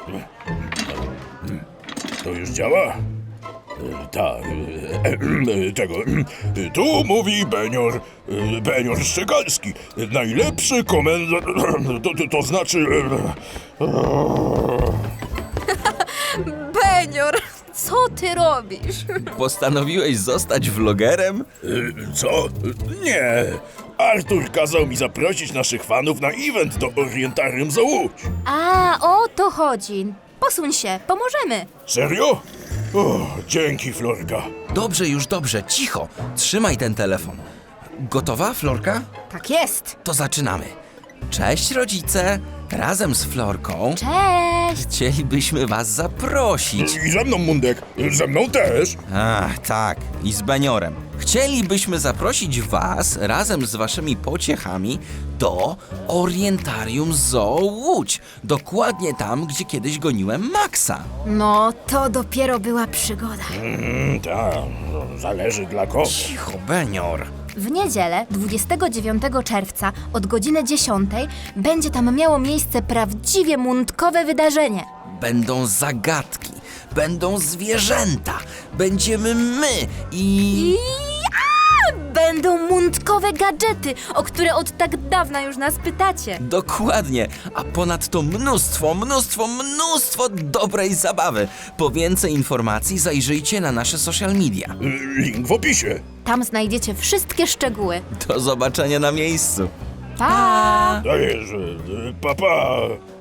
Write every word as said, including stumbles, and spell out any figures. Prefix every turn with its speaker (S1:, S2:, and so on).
S1: To już działa? Tak, tego. Tu mówi Benior, Benior Szczegalski. Najlepszy komendant, to, to, to znaczy...
S2: Benior, co ty robisz?
S3: Postanowiłeś zostać vlogerem?
S1: Co? Nie. Artur kazał mi zaprosić naszych fanów na event do Orientarium za Łódź.
S2: A, o to chodzi. Posuń się, pomożemy.
S1: Serio? O, dzięki, Florka.
S3: Dobrze, już dobrze, cicho. Trzymaj ten telefon. Gotowa, Florka?
S2: Tak jest.
S3: To zaczynamy. Cześć, rodzice. Razem z Florką
S2: Cześć.
S3: chcielibyśmy was zaprosić.
S1: I ze mną, Mundek. Ze mną też.
S3: Ach, tak. I z Beniorem. Chcielibyśmy zaprosić was razem z waszymi pociechami do Orientarium Zoo Łódź. Dokładnie tam, gdzie kiedyś goniłem Maxa.
S2: No, to dopiero była przygoda.
S1: Mm, tak, zależy dla kogo.
S3: Cicho, Benior.
S2: W niedzielę, dwudziestego dziewiątego czerwca od godziny dziesiątej będzie tam miało miejsce prawdziwie mundkowe wydarzenie.
S3: Będą zagadki, będą zwierzęta, będziemy my i...
S2: I a, będą mundkowe gadżety, o które od tak dawna już nas pytacie.
S3: Dokładnie, a ponadto mnóstwo, mnóstwo, mnóstwo dobrej zabawy. Po więcej informacji zajrzyjcie na nasze social media.
S1: Link w opisie.
S2: Tam znajdziecie wszystkie szczegóły.
S3: Do zobaczenia na miejscu.
S2: Pa!
S1: Dajesz, pa, pa.